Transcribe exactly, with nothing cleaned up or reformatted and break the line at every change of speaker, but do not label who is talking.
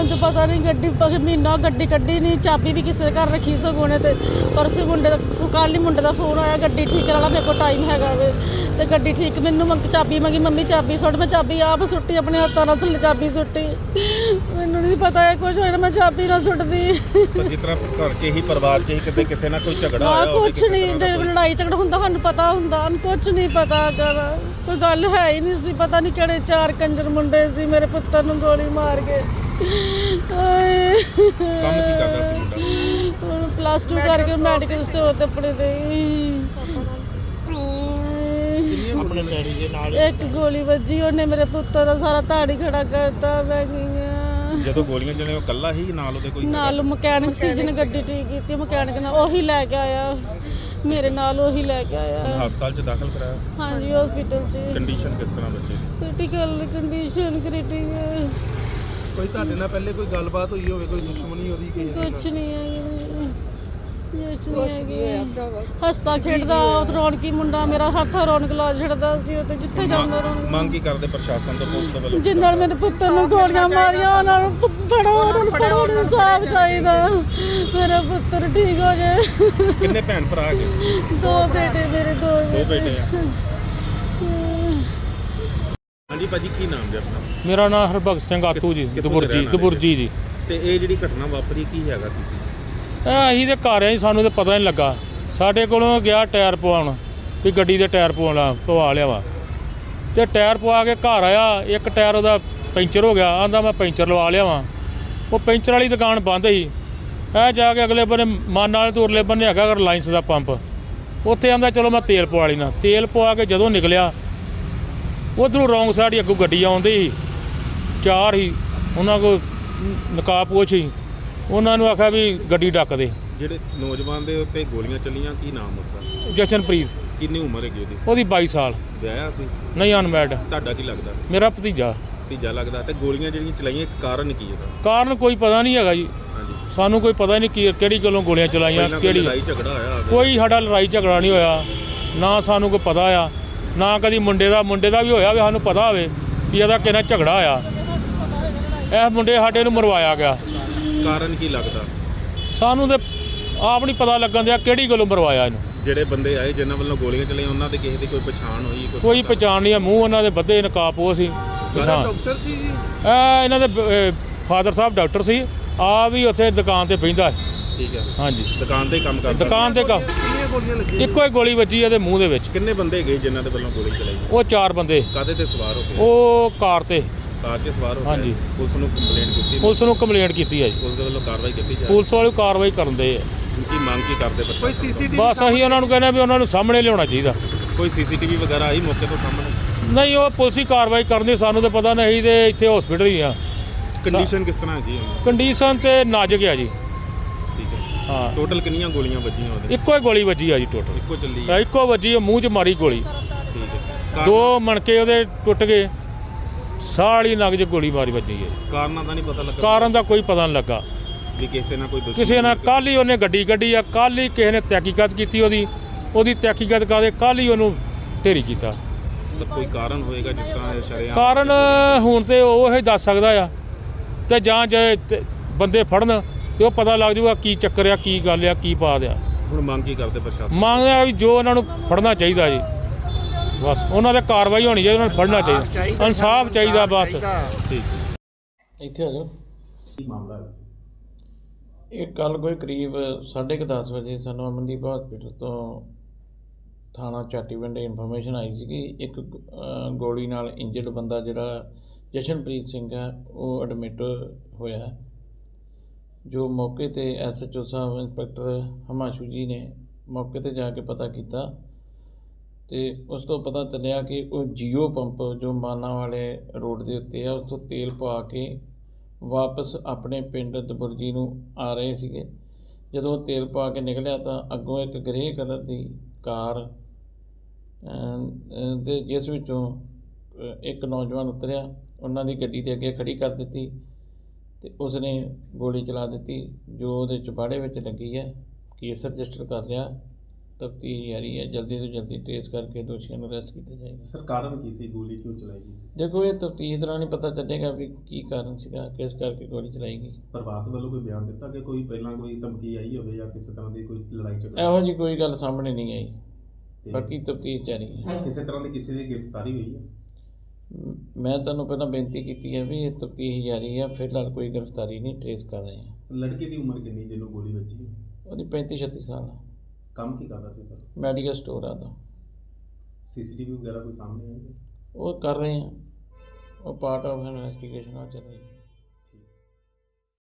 तो पता नहीं गड्डी महीना गड्डी कड्डी नहीं, चाबी भी किसी घर रखी सगों ने। परसों मुंडे का कल ही मुंडे का फोन आया गड्डी ठीक करा, मेरे को टाइम हैगा वे तो गड्डी ठीक, मैनू मंग चाबी मंगी, मम्मी चाबी सुट, मैं चाबी आप सुट्टी अपने हत्थों नाल थल्ले चाबी सुट्टी, मैनू नहीं पता है कुछ होया, मैं चाबी ना सुटदी।
जिस तरह घर च ही परिवार च ही किते किसी ना कोई झगड़ा होया होवे,
कुछ नहीं लड़ाई झगड़ा हुंदा सानू पता हुंदा, कुछ नहीं पता कर कोई गल है ही नहीं सी, पता नहीं किहड़े चार कंजर मुंडे सी मेरे पुत्तर नू गोली मार के।
ਕੰਮ ਕੀ ਕਰਦਾ ਸੀ ਮੁੰਡਾ?
प्लस टू करके मैडिकल स्टोर ते अपने दे
ਆਪਣੇ ਡੈਡੀ ਦੇ ਨਾਲ
एक गोली ਵੱਜੀ, ਉਹਨੇ ਮੇਰੇ ਪੁੱਤਰ ਦਾ ਸਾਰਾ ਧਾੜੀ ਖੜਾ ਕਰਤਾ। ਮੈਂ ਗਈ
ਜਦੋਂ ਗੋਲੀਆਂ ਚਲੇ ਉਹ ਕੱਲਾ ਹੀ ਨਾਲ ਉਹਦੇ ਕੋਈ
ਨਾਲ ਮਕੈਨਿਕ ਸੀ ਜਿਹਨੇ ਗੱਡੀ ਠੀਕ ਕੀਤੀ, ਮਕੈਨਿਕ ਨਾਲ ਉਹੀ ਲੈ ਕੇ ਆਇਆ, ਮੇਰੇ ਨਾਲ ਉਹੀ ਲੈ ਕੇ ਆਇਆ।
ਹਸਪਤਾਲ ਚ ਦਾਖਲ ਕਰਾਇਆ?
ਹਾਂਜੀ ਹਸਪੀਟਲ ਚ।
ਕੰਡੀਸ਼ਨ ਕਿਸ ਤਰ੍ਹਾਂ ਬੱਚੇ ਦੀ?
Critical condition critical.
ਕੋਈ ਤੁਹਾਡੇ ਨਾਲ ਪਹਿਲੇ ਕੋਈ ਗੱਲਬਾਤ ਹੋਈ ਹੋਵੇ, ਕੋਈ ਦੁਸ਼ਮਣੀ ਉਹਦੀ ਕੋਈ?
ਕੁਛ ਨਹੀਂ ਹੈ, ਕੁਛ ਨਹੀਂ ਹੈ। ਹੱਸਦਾ ਖੇਡਦਾ ਰੌਣਕੀ ਮੁੰਡਾ ਮੇਰਾ, ਹੱਥ ਰੌਣਕ ਲਾ ਛੱਡਦਾ ਸੀ, ਉਹ ਤੇ ਜਿੱਥੇ ਜਾਂਦਾ ਰੌਣਕ।
ਮੰਗ ਕੀ ਕਰਦੇ ਪ੍ਰਸ਼ਾਸਨ ਤੋਂ, ਪੁਲਿਸ ਤੋਂ ਵੱਲੋਂ?
ਜਿਨ੍ਹਾਂ ਨਾਲ ਮੇਰੇ ਪੁੱਤਰ ਨੂੰ ਗੋਲੀਆਂ ਮਾਰੀਆਂ ਉਹਨਾਂ ਨੂੰ ਫੜੋ, ਉਹਨਾਂ ਨੂੰ ਫੜੋ, ਇਨਸਾਫ ਚਾਹੀਦਾ, ਮੇਰਾ ਪੁੱਤਰ ਠੀਕ ਹੋ ਜਾਏ।
ਕਿੰਨੇ ਭੈਣ ਭਰਾ ਹੈਗੇ?
ਦੋ ਬੇਟੇ ਮੇਰੇ, ਦੋ
ਦੋ ਬੇਟੇ ਆ। ਹਾਂਜੀ ਭਾਜੀ, ਕੀ ਨਾਮ ਜੀ ਆਪਣਾ?
ਮੇਰਾ ਨਾਮ ਹਰਭਗਤ ਸਿੰਘ ਆਤੂ ਜੀ, ਦਬੁਰਜੀ ਦਬੁਰਜੀ ਜੀ।
ਤੇ ਇਹ ਜਿਹੜੀ ਘਟਨਾ ਵਾਪਰੀ ਕੀ ਹੈਗਾ ਕਿਸੇ?
ਇਹ ਅਸੀਂ ਤੇ ਘਰ ਆਏ, ਸਾਨੂੰ ਤੇ ਪਤਾ ਨਹੀਂ ਲੱਗਾ। ਸਾਡੇ ਕੋਲੋਂ ਗਿਆ ਟਾਇਰ ਪਵਾਉਣ ਵੀ ਗੱਡੀ ਦੇ ਟਾਇਰ ਪਵਾਉਣਾ ਪਵਾ ਲਿਆ ਵਾ, ਤੇ ਟਾਇਰ ਪਵਾ ਕੇ ਘਰ ਆਇਆ, ਇੱਕ ਟਾਇਰ ਉਹਦਾ ਪੈਂਚਰ ਹੋ ਗਿਆ, ਆਂਦਾ ਮੈਂ ਪੈਂਚਰ ਲਵਾ ਲਿਆ ਵਾ। ਉਹ ਪੈਂਚਰ ਵਾਲੀ ਦੁਕਾਨ ਬੰਦ ਸੀ। ਇਹ ਜਾ ਕੇ ਅਗਲੇ ਬੰਨੇ ਮਾਨ ਵਾਲੇ ਤੋਂ ਉਰਲੇ ਬੰਨੇ ਹੈਗਾ ਰਿਲਾਇੰਸ ਦਾ ਪੰਪ, ਉੱਥੇ ਆਂਦਾ ਚਲੋ ਮੈਂ ਤੇਲ ਪਵਾ ਲੈਣਾ। ਤੇਲ ਪਵਾ ਕੇ ਜਦੋਂ ਨਿਕਲਿਆ, ਉੱਧਰੋਂ ਰੌਂਗ ਸਾਈਡ ਹੀ ਅੱਗੋਂ ਗੱਡੀ ਆਉਂਦੀ ਸੀ, ਚਾਰ ਹੀ ਉਹਨਾਂ ਕੋਲ ਨਕਾਬਪੋਸ਼ ਸੀ। ਉਹਨਾਂ ਨੂੰ ਆਖਿਆ ਵੀ ਗੱਡੀ ਡੱਕ ਦੇ।
ਜਿਹੜੇ ਨੌਜਵਾਨ ਦੇ ਉੱਤੇ ਗੋਲੀਆਂ ਚੱਲੀਆਂ, ਕੀ ਨਾਮ ਉਸਦਾ?
ਜਸ਼ਨਪ੍ਰੀਤ।
ਕਿੰਨੀ ਉਮਰ ਹੈਗੀ ਉਹਦੀ?
ਉਹਦੀ ਬਾਈ ਸਾਲ।
ਵਿਆਹਿਆ ਸੀ?
ਨਹੀਂ, ਅਨਮੈਰਿਡ।
ਤੁਹਾਡਾ ਕੀ ਲੱਗਦਾ?
ਮੇਰਾ ਭਤੀਜਾ।
ਭਤੀਜਾ ਲੱਗਦਾ। ਤੇ ਗੋਲੀਆਂ ਜਿਹੜੀਆਂ ਚਲਾਈਆਂ, ਕਾਰਨ ਕੀ ਇਹਦਾ?
ਕਾਰਨ ਕੋਈ ਪਤਾ ਨਹੀਂ ਹੈਗਾ ਜੀ,
ਹਾਂਜੀ,
ਸਾਨੂੰ ਕੋਈ ਪਤਾ ਨਹੀਂ ਕੀ ਕਿਹੜੀ ਗੱਲੋਂ ਗੋਲੀਆਂ ਚਲਾਈਆਂ, ਕਿਹੜੀ
ਲੜਾਈ ਝਗੜਾ ਹੋਇਆ?
ਕੋਈ ਸਾਡਾ ਲੜਾਈ ਝਗੜਾ ਨਹੀਂ ਹੋਇਆ, ਨਾ ਸਾਨੂੰ ਕੋਈ ਪਤਾ ਆ, ਨਾ ਕਦੀ ਮੁੰਡੇ ਦਾ ਮੁੰਡੇ ਦਾ ਵੀ ਹੋਇਆ ਵੀ ਸਾਨੂੰ ਪਤਾ ਹੋਵੇ ਵੀ ਇਹਦਾ ਕਿਹਨਾਂ ਝਗੜਾ ਹੋਇਆ। ਇਹ ਮੁੰਡੇ ਸਾਡੇ ਨੂੰ ਮਰਵਾਇਆ ਗਿਆ।
ਕਾਰਨ ਕੀ ਲੱਗਦਾ?
ਸਾਨੂੰ ਤੇ ਆਪ ਨਹੀਂ ਪਤਾ ਲੱਗਣ ਦਿਆ ਕਿਹੜੀ ਗੱਲੋਂ ਮਰਵਾਇਆ ਇਹਨੂੰ।
ਜਿਹੜੇ ਬੰਦੇ ਆਏ ਜਿਨ੍ਹਾਂ ਵੱਲੋਂ ਗੋਲੀਆਂ ਚਲਾਈਆਂ, ਉਹਨਾਂ ਦੇ ਕਿਸੇ ਦੀ ਕੋਈ ਪਛਾਣ ਹੋਈ?
ਕੋਈ ਪਛਾਣ ਨਹੀਂ ਆ, ਮੂੰਹ ਉਹਨਾਂ ਦੇ ਬੱਧੇ ਨਕਾਬਪੋਸ਼ ਸੀ। ਪਛਾਣ
ਡਾਕਟਰ ਸੀ ਜੀ?
ਇਹ ਇਹਨਾਂ ਦੇ ਫਾਦਰ ਸਾਹਿਬ ਡਾਕਟਰ ਸੀ, ਆ ਵੀ ਉੱਥੇ ਦੁਕਾਨ ਤੇ ਬਹਿੰਦਾ।
ਠੀਕ ਹੈ।
ਹਾਂਜੀ,
ਦੁਕਾਨ ਤੇ ਕੰਮ ਕਰਦਾ?
ਦੁਕਾਨ ਤੇ ਕੰਮ।
ਕਿੰਨੀਆਂ ਗੋਲੀਆਂ ਲੱਗੀਆਂ?
ਇੱਕੋ ਹੀ ਗੋਲੀ ਵੱਜੀ ਇਹਦੇ ਮੂੰਹ ਦੇ ਵਿੱਚ।
ਕਿੰਨੇ ਬੰਦੇ ਗਏ ਜਿਨ੍ਹਾਂ ਦੇ ਵੱਲੋਂ ਗੋਲੀ ਚਲਾਈ?
ਉਹ ਚਾਰ ਬੰਦੇ।
ਕਾਹਦੇ ਤੇ ਸਵਾਰ ਹੋ ਕੇ?
ਉਹ ਕਾਰ ਤੇ।
ਕਾਰ 'ਤੇ ਸਵਾਰ ਹੋ ਕੇ?
ਹਾਂਜੀ।
ਪੁਲਿਸ ਨੂੰ ਕੰਪਲੇਂਟ ਕੀਤੀ?
ਪੁਲਿਸ ਨੂੰ ਕੰਪਲੇਂਟ ਕੀਤੀ ਹੈ ਜੀ,
ਪੁਲਿਸ ਦੇ ਵੱਲੋਂ ਕਾਰਵਾਈ ਕੀਤੀ ਜਾ?
ਪੁਲਿਸ ਵਾਲੇ ਕਾਰਵਾਈ ਕਰਨ ਦੇ ਆ।
ਕੀ ਮੰਗ ਕੀ ਕਰਦੇ
ਕੋਈ
ਪ੍ਰਸ਼ਾਸਨ?
ਸੀਸੀਟੀਵੀ?
ਬਸ ਅਸੀਂ ਉਹਨਾਂ ਨੂੰ ਕਹਿੰਦੇ ਵੀ ਉਹਨਾਂ ਨੂੰ ਸਾਹਮਣੇ ਲਿਆਉਣਾ ਚਾਹੀਦਾ।
ਕੋਈ ਸੀਸੀਟੀਵੀ ਵਗੈਰਾ ਆਈ ਮੌਕੇ ਤੋਂ ਸਾਹਮਣੇ?
ਨਹੀਂ, ਉਹ ਪੁਲਿਸ ਹੀ ਕਾਰਵਾਈ ਕਰਨੀ, ਸਾਨੂੰ ਤਾਂ ਪਤਾ ਨਹੀਂ। ਤੇ ਇੱਥੇ ਹਸਪੀਟਲ ਹੀ ਆ।
ਕੰਡੀਸ਼ਨ ਕਿਸ ਤਰ੍ਹਾਂ ਹੈਗੀ ਹੈ?
ਕੰਡੀਸ਼ਨ ਤੇ ਨਾਜ਼ੁਕ ਆ ਜੀ।
ਠੀਕ ਹੈ।
ਹਾਂ,
ਟੋਟਲ ਕਿੰਨੀਆਂ ਗੋਲੀਆਂ ਵੱਜੀਆਂ ਉਹਦੇ?
ਇੱਕੋ ਹੀ ਗੋਲੀ ਵੱਜੀ ਆ ਜੀ ਟੋਟਲ।
ਇੱਕੋ ਚੱਲੀ ਹੈ?
ਇੱਕੋ ਵੱਜੀ ਆ, ਮੂੰਹ 'ਚ ਮਾਰੀ ਗੋਲੀ।
ਠੀਕ ਹੈ।
ਦੋ ਮਣਕੇ ਉਹਦੇ ਟੁੱਟ ਗਏ, ਸਾਹ ਵਾਲੀ ਨਗ 'ਚ ਗੋਲੀ ਮਾਰੀ ਵੱਜੀ ਹੈ।
ਕਾਰਨਾਂ ਦਾ ਨਹੀਂ ਪਤਾ ਲੱਗਾ?
ਕਾਰਨ ਦਾ ਕੋਈ ਪਤਾ ਨਹੀਂ ਲੱਗਾ।
ਵੀ ਕਿਸੇ ਨਾਲ ਕੋਈ ਦੁਸ਼ਮਣੀ?
ਕਿਸੇ ਨਾਲ ਕੱਲ੍ਹ ਹੀ ਉਹਨੇ ਗੱਡੀ ਕੱਢੀ ਆ, ਕੱਲ੍ਹ ਹੀ ਕਿਸੇ ਨੇ ਤਹਿਕੀਕਤ ਕੀਤੀ ਉਹਦੀ ਉਹਦੀ ਤਹਿਕੀਕਤ ਕਰਦੇ ਕੱਲ੍ਹ ਹੀ ਉਹਨੂੰ ਢੇਰੀ ਕੀਤਾ।
ਮਤਲਬ ਕੋਈ ਕਾਰਨ ਹੋਏਗਾ ਜਿਸ ਤਰ੍ਹਾਂ ਇਹ ਸ਼ਰੇਆਮ?
ਕਾਰਨ ਹੁਣ ਤੇ ਉਹ ਹੀ ਦੱਸ ਸਕਦਾ ਆ, ਤੇ ਜਾਂ ਜੇ ਤੇ ਬੰਦੇ ਫੜਨ ਤੇ ਉਹ ਪਤਾ ਲੱਗ ਜਾਊਗਾ ਕੀ ਚੱਕਰ ਆ, ਕੀ ਗੱਲ ਆ, ਕੀ ਪਾ ਦਿਆ।
ਹੁਣ ਮੰਗ ਕੀ ਕਰਦੇ ਪ੍ਰਸ਼ਾਸਨ?
ਮੰਗਦੇ ਆ ਵੀ ਜੋ ਉਹਨਾਂ ਨੂੰ ਫੜਨਾ ਚਾਹੀਦਾ ਜੀ, ਬਸ ਉਹਨਾਂ 'ਤੇ ਕਾਰਵਾਈ ਹੋਣੀ ਚਾਹੀਦੀ, ਉਹਨਾਂ ਨੂੰ ਫੜਨਾ ਚਾਹੀਦਾ, ਇਨਸਾਫ ਚਾਹੀਦਾ ਬਸ।
ਠੀਕ।
ਇੱਥੇ ਆ ਜਾਓ।
ਕੀ ਮਾਮਲਾ ਹੈ?
ਇਹ ਕੱਲ੍ਹ ਕੋਈ ਕਰੀਬ ਸਾਢੇ ਕੁ ਦਸ ਵਜੇ ਸਾਨੂੰ ਅਮਨਦੀਪ ਹਸਪੀਟਲ ਤੋਂ ਥਾਣਾ ਚਾਟੀਵਿੰਡ ਇਨਫੋਰਮੇਸ਼ਨ ਆਈ ਸੀਗੀ, ਇੱਕ ਅ, ਗੋਲੀ ਨਾਲ ਇੰਜਰਡ ਬੰਦਾ ਜਿਹੜਾ ਜਸ਼ਨਪ੍ਰੀਤ ਸਿੰਘ ਹੈ ਉਹ ਐਡਮਿਟ ਹੋਇਆ। ਜੋ ਮੌਕੇ 'ਤੇ ਐਸ ਐਚ ਓ ਸਾਹਿਬ ਇੰਸਪੈਕਟਰ ਹਿਮਾਂਸ਼ੂ ਜੀ ਨੇ ਮੌਕੇ 'ਤੇ ਜਾ ਕੇ ਪਤਾ ਕੀਤਾ, ਅਤੇ ਉਸ ਤੋਂ ਪਤਾ ਚੱਲਿਆ ਕਿ ਉਹ ਜੀਓ ਪੰਪ ਜੋ ਮਾਨਾ ਵਾਲੇ ਰੋਡ ਦੇ ਉੱਤੇ ਆ, ਉਸ ਤੋਂ ਤੇਲ ਪਵਾ ਕੇ ਵਾਪਸ ਆਪਣੇ ਪਿੰਡ ਦਬੁਰਜੀ ਨੂੰ ਆ ਰਹੇ ਸੀਗੇ। ਜਦੋਂ ਤੇਲ ਪਾ ਕੇ ਨਿਕਲਿਆ ਤਾਂ ਅੱਗੋਂ ਇੱਕ ਗ੍ਰੇ ਕਲਰ ਦੀ ਕਾਰ ਦੇ ਜਿਸ ਵਿੱਚੋਂ ਇੱਕ ਨੌਜਵਾਨ ਉਤਰਿਆ, ਉਹਨਾਂ ਦੀ ਗੱਡੀ ਦੇ ਅੱਗੇ ਖੜੀ ਕਰ ਦਿੱਤੀ ਅਤੇ ਉਸਨੇ ਗੋਲੀ ਚਲਾ ਦਿੱਤੀ, ਜੋ ਉਹਦੇ ਚੁਬਾੜੇ ਵਿੱਚ ਲੱਗੀ ਹੈ। ਕੇਸ ਰਜਿਸਟਰ ਕਰ ਲਿਆ ਤਫਤੀਸ਼ ਜਾਰੀ ਹੈ। ਜਲਦੀ ਤੋਂ ਜਲਦੀ ਟ੍ਰੇਸ ਕਰਕੇ ਦੋਸ਼ੀਆਂ ਨੂੰ ਅਰੈਸਟ ਕੀਤਾ ਜਾਏਗਾ।
ਸਰ ਕਾਰਨ ਕੀ ਸੀ, ਗੋਲੀ ਕਿਉਂ ਚਲਾਈ ਗਈ?
ਦੇਖੋ ਇਹ ਤਫਤੀਸ਼ ਦੌਰਾਨ ਹੀ ਪਤਾ ਚੱਲੇਗਾ ਵੀ ਕੀ ਕਾਰਨ ਸੀਗਾ, ਕਿਸ ਕਰਕੇ ਗੋਲੀ ਚਲਾਈ ਗਈ।
ਪਰਿਵਾਰ ਵੱਲੋਂ ਕੋਈ ਬਿਆਨ ਦਿੱਤਾ ਕਿ ਕੋਈ ਪਹਿਲਾਂ ਕੋਈ ਧਮਕੀ ਆਈ ਹੋਵੇ ਜਾਂ ਕਿਸੇ ਤਰ੍ਹਾਂ ਦੀ ਕੋਈ ਲੜਾਈ ਝਗੜਾ?
ਇਹੋ ਜਿਹੀ ਕੋਈ ਗੱਲ ਸਾਹਮਣੇ ਨਹੀਂ ਆਈ,
ਤੇ
ਬਾਕੀ ਤਫਤੀਸ਼ ਜਾਰੀ ਹੈ।
ਕਿਸੇ ਤਰ੍ਹਾਂ ਦੀ ਕਿਸੇ ਦੀ ਗ੍ਰਿਫਤਾਰੀ ਹੋਈ ਹੈ?
ਮ- ਮੈਂ ਤੁਹਾਨੂੰ ਪਹਿਲਾਂ ਬੇਨਤੀ ਕੀਤੀ ਹੈ ਵੀ ਇਹ ਤਫਤੀਸ਼ ਜਾਰੀ ਹੈ, ਫਿਲਹਾਲ ਕੋਈ ਗ੍ਰਿਫਤਾਰੀ ਨਹੀਂ, ਟ੍ਰੇਸ ਕਰ ਰਹੇ ਹਾਂ।
ਲੜਕੇ ਦੀ ਉਮਰ ਕਿੰਨੀ ਜਿਹਨੂੰ ਗੋਲੀ ਵੱਜੀ?
ਉਹਦੀ ਪੈਂਤੀ ਛੱਤੀ ਸਾਲ ਆ,
ਕੰਮ ਕੀ ਕਰਦਾ ਸੀ ਸਰ?
ਮੈਡੀਕਲ ਸਟੋਰ ਆ ਦਾ।
ਸੀਸੀਟੀਵੀ ਵਗੈਰਾ ਕੋਈ ਸਾਹਮਣੇ ਆਈ ਹੈ?
ਉਹ ਕਰ ਰਹੇ ਹਾਂ, ਉਹ ਪਾਰਟ ਆਫ ਇਨਵੈਸਟੀਗੇਸ਼ਨ ਆ ਚੱਲ ਰਹੀ ਹੈ।